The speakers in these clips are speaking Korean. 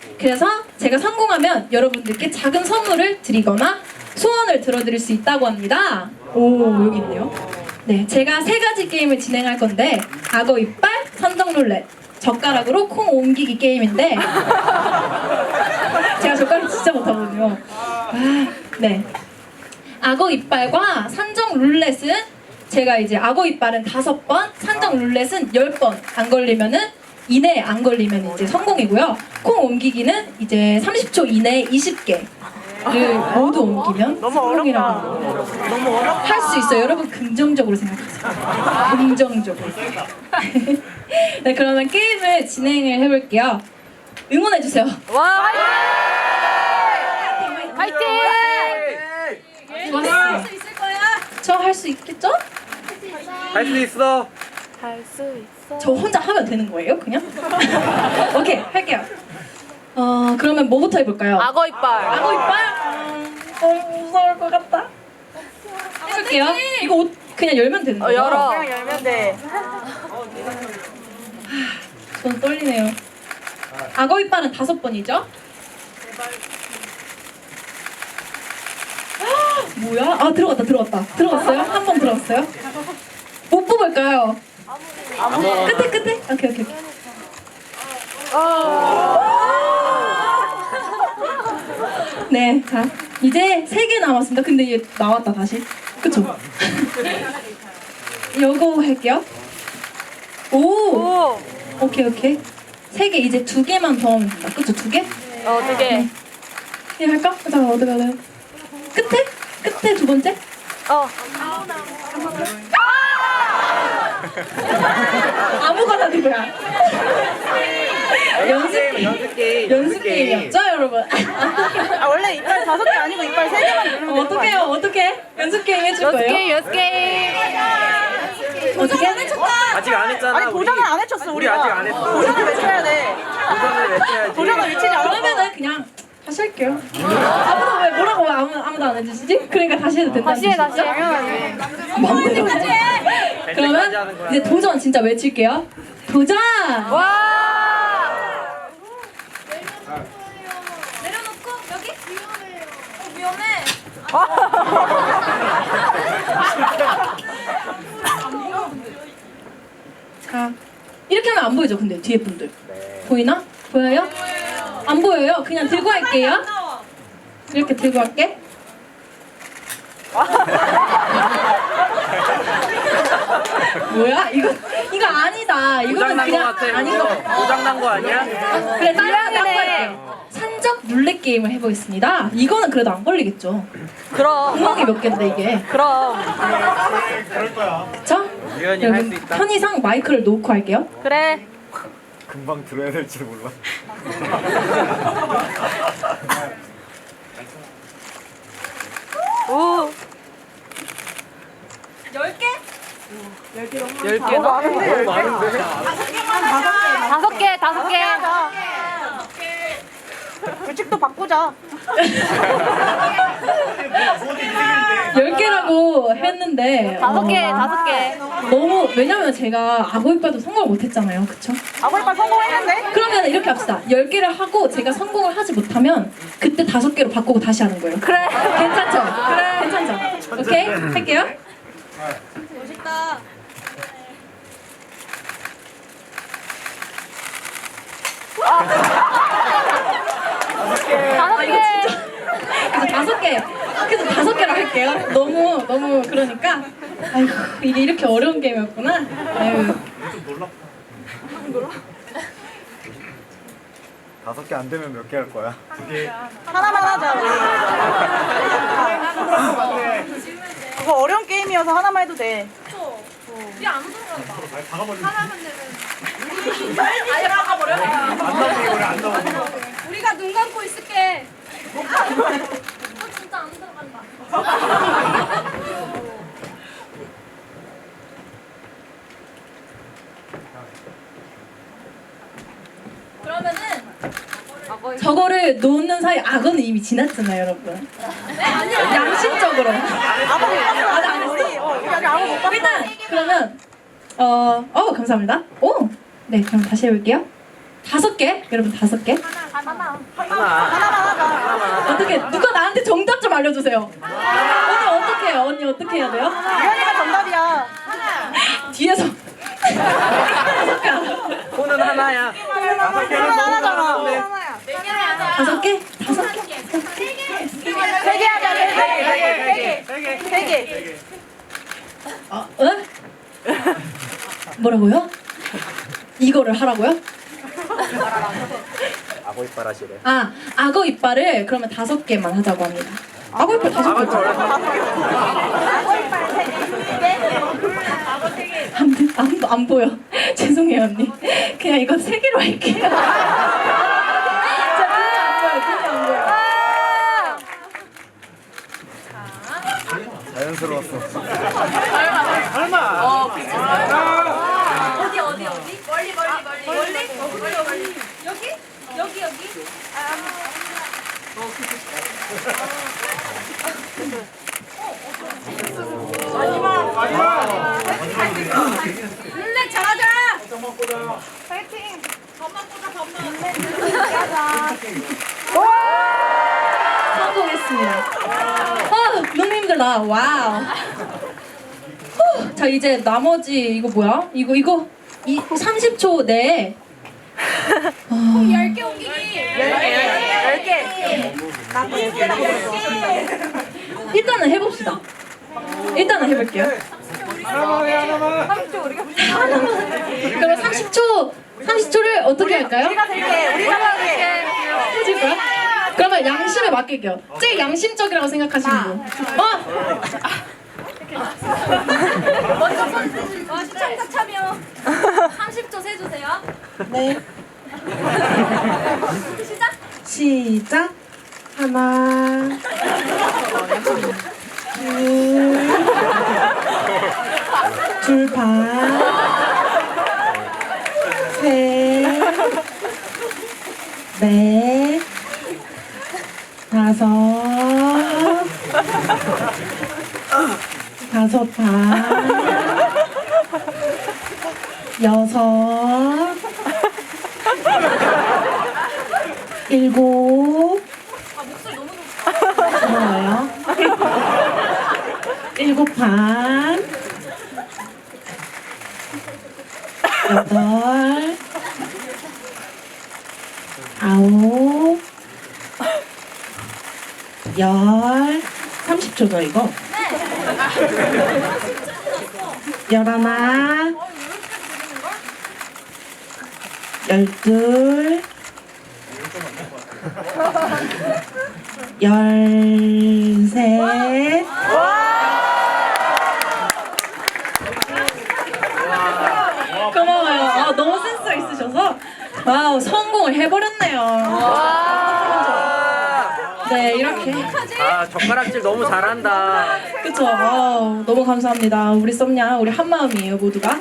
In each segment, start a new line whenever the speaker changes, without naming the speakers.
그래서 제가 성공하면 여러분들께 작은 선물을 드리거나 소원을 들어드릴 수 있다고 합니다. 오, 여기 있네요. 네, 제가 3가지 게임을 진행할 건데 악어 이빨, 산정 룰렛, 젓가락으로 콩 옮기기 게임인데 제가 젓가락 진짜 못하거든요. 네. 악어 이빨과 산정 룰렛은 제가 이제 악어 이빨은 5번, 산정 룰렛은 10번 안 걸리면은 이내에 안 걸리면 이제 성공이고요. 콩 옮기기는 이제 30초 이내에 20개를 모두 옮기면 성공이라고.
너무 어렵다.
할 수 있어요. 여러분 긍정적으로 생각하세요. 긍정적으로. 네, 그러면 게임을 진행을 해볼게요. 응원해주세요.
와! 화이팅!
할 수 있을 거야. 저 할 수 있겠죠?
할 수 있어.
할 수 있어.
저 혼자 하면 되는 거예요, 그냥? 오케이, 할게요. 그러면 뭐부터 해볼까요?
악어 이빨.
악어 이빨? 너무 무서울 것 같다. 해볼게요. 이거 옷 그냥 열면 되는 거예요?
열어.
그냥 열면 돼.
전 떨리네요. 악어 이빨은 5번이죠? 뭐야? 아, 들어갔어요? 한 번 들어갔어요? 못 뽑을까요? 끝에? 오케이. 네, 자, 이제 3개 남았습니다. 근데 얘 나왔다, 다시. 그쵸? 요거 할게요. 오! 오케이. 3개, 이제 2개만 더 하면 된다. 그쵸, 2개?
2개.
얘 할까? 잠깐, 어디 가나요? 끝에 2번째? 아무거나 누구야? 연습 게임이었죠, 여러분?
아 원래 이빨 5개 아니고 이빨 3개만 누르면 되는 거 아니야?
어떡해요? 연습 게임 해줄 거예요?
연습 게임.
어떻게?
아직 안 했잖아.
아니 도전을 안 해쳤어
우리
우리가.
아직 안 했어.
도전을 외쳐야 돼.
도전을 외쳐야지.
도전을 외치지 않았어.
그러면은 그냥 다시 할게요. 아무도 왜 뭐라고 왜 아무도 안 해주시지? 그러니까 다시 해도 된다는
다시 해.
뜻이죠? 맘대로. 그러면 이제 도전 진짜 외칠게요. 도전!
와!
내려놓고 여기? 위험해. 자, 이렇게 하면 안 보이죠? 근데 뒤에 분들 보이나? 보여요? 안 보여요? 그냥 들고 할게요. 이렇게 들고 할게. 뭐야? 이거 아니다. 이거는
고장난 거
그냥
같아.
아닌 거.
고장난 거 아니야?
그래, 다른 거 할게요. 산적 룰렛 게임을 해보겠습니다. 이거는 그래도 안 걸리겠죠?
그럼.
구멍이 몇 개인데 이게.
그럼.
그쵸?
유연이 할 수 있다.
편의상 마이크를 놓고 할게요.
그래.
금방 들어야 될지 몰라.
오.
10개?
10개나?
너무 많은데?
5개.
규칙도 바꾸자.
10개라고 했는데
5개.
너무, 왜냐면 제가 악어 이빨도 성공을 못했잖아요. 그쵸?
아버 이빨 성공했는데?
그러면 이렇게 합시다. 10개를 하고 제가 성공을 하지 못하면 그때 5개로 바꾸고 다시 하는 거예요.
그래.
괜찮죠? 그래. 괜찮죠? 오케이? 할게요. 멋있다. 그래서 5개로 할게요. 너무 그러니까. 아이고, 이게 이렇게 어려운 게임이었구나. 아유.
5개 안 되면 몇 개 할 거야?
하나만 하자 우리. 그거 어려운 게임이어서 하나만 해도 돼.
우리가 눈 감고 있을게. 진짜 안 들어간다. 그러면은 저거를 놓는 사이 악어는 이미 지났잖아요, 여러분. 양심적으로.
아버 못 봤어.
아직 안 했어?
우리 아직 아버 못 봤어.
일단 그러면 감사합니다. 오, 네, 그럼 다시 해볼게요. 5개? 여러분 5개?
하나.
어떻게 누가 나한테 정답 좀 알려주세요. 언니 어떻게 해요? 언니 어떻게 해야 돼요?
유연이가 정답이야.
뒤에서 5개 알아.
코는 하나야. 5개는 너무 잘하는데.
5개? 5개?
3개 하자. 3개.
응? 뭐라고요? 이거를 하라고요?
악어 이빨 하시래.
아, 악어 이빨을 그러면 5개만 하자고 합니다. 악어 이빨 5개. 안 보여. 죄송해요 언니. 그냥 이거 3개로 할게요. 자, 눈이 안 보여.
자연스러웠어.
성공했습니다. 너무 힘들다. 와우. 자, 이제 나머지 이거 뭐야? 이거 30초 내에
10개.
일단은 해봅시다. 일단은 해볼게요. 그럼 30초를 어떻게 할까요?
우리가 할게.
해줄 거야? 그러면 양심에 맡길게요. 제일 양심적이라고 생각하시는 분.
먼저 시청자 참여 30초 세주세요.
네. 시작. 하나, 둘 반, 셋, 넷, 5 반, 6, 7. 고마워요. 7 반, 8, 9, 10. 30초죠 이거? 11, 12, 13. 고마워요. 너무 센스가 있으셔서 와우 성공을 해버렸네요. 네 이렇게
젓가락질 너무 잘한다.
그쵸. 너무 감사합니다. 우리 썸냐 우리 한 마음이에요 모두가.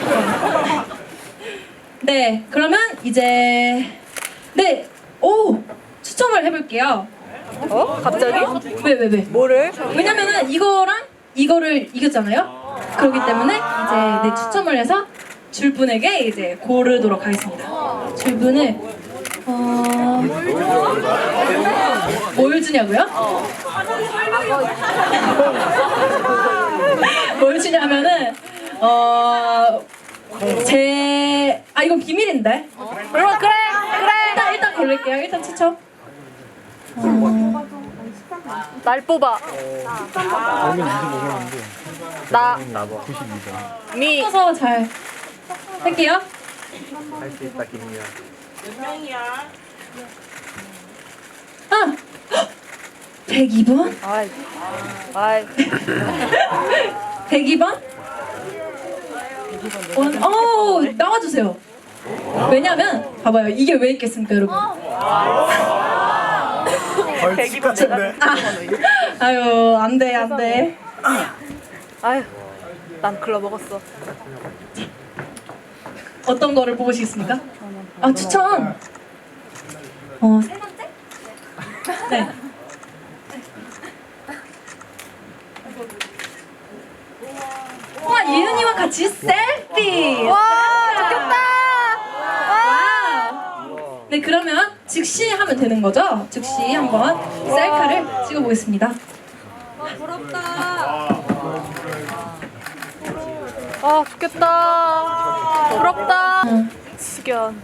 네 그러면 이제 추첨을 해볼게요.
갑자기?
왜?
뭐를?
왜냐면은 이거를 이겼잖아요. 그렇기 때문에 이제 추첨을 해서 줄 분에게 이제 고르도록 하겠습니다. 줄 분을 뭘 주냐고요? 뭘 주냐면은 이건 비밀인데.
그래.
일단 고를게요. 일단 추첨.
날 뽑아. 나. 미.
써서 잘 할게요.
할 수 있다 김미야.
102번?
아이.
102번? 나와주세요. 왜냐면 봐봐요. 이게 왜 있겠습니까 여러분?
벌칙 같은데.
아유 안돼.
아유. 난 글러 먹었어.
어떤 거를 뽑으시겠습니까? 추천. 세 번째? 네. 와 예은이와 같이 셀피.
와, 좋겠다.
와우. 되는 거죠? 즉시 한번 셀카를 찍어보겠습니다.
부럽다.
아 좋겠다. 부럽다. 숙연.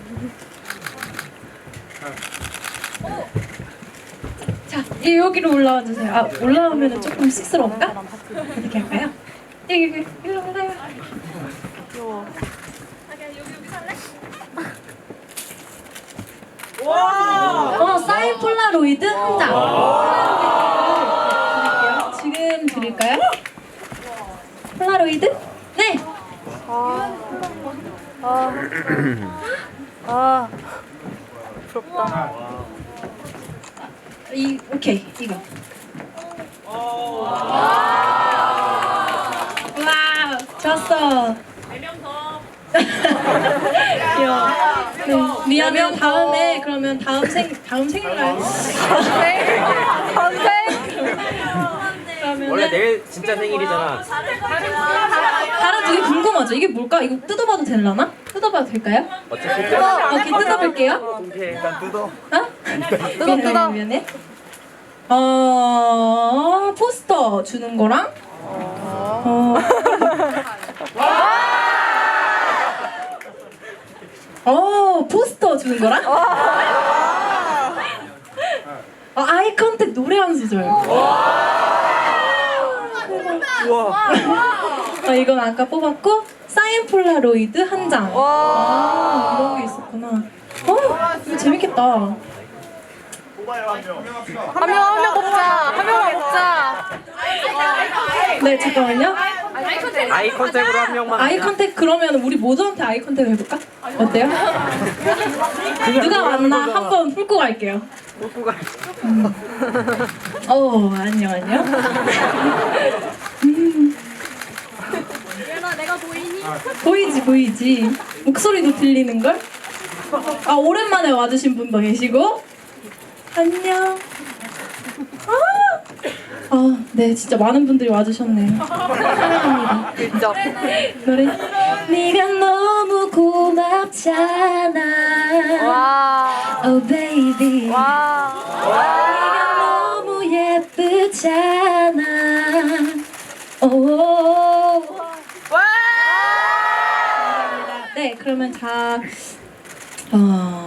자, 여기로 올라와 주세요. 아, 올라오면 조금 쑥스러운가? 어떻게 할까요? 여기 일로 올라요.
귀여워.
사인 폴라로이드 한 장. 드릴게요. 지금 드릴까요? 폴라로이드? 네.
아 부럽다.
오케이 이거. 와, 좋았어. 4명 더. 귀여워. 네, 미안해요. 다음에 그러면 다음 생일날.
선생.
그러면은
원래 내일 진짜 생일이잖아.
다른 두 개 궁금하죠? 이게 뭘까? 이거 뜯어봐도 되려나? 뜯어봐도 될까요?
어차피
오케이, 뜯어볼게요.
일단 뜯어.
어?
뜯어.
미안해. 포스터 주는 거랑 포스터 주는 거랑 아이 컨택 노래 한 소절.
우와.
이건 아까 뽑았고 사인 폴라로이드 한 장. 이런 게 있었구나. 이거 재밌겠다.
한 명 먹자. 한 명만 먹자.
네, 잠깐만요.
아이 컨택으로 한 명만.
아이 컨택 그러면 우리 모두한테 아이 컨택 해볼까? 어때요? 누가 왔나 한번 풀고 갈게요.
먹고 가.
안녕.
얘나 내가 보이니?
보이지. 목소리도 들리는 걸? 오랜만에 와주신 분도 계시고. 안녕. 네, 진짜 많은 분들이 와주셨네요. 사랑합니다.
진짜.
노래. 네가 너무 고맙잖아.
와.
Oh baby.
와.
네가 너무 예쁘잖아. 오.
와.
네, 그러면 다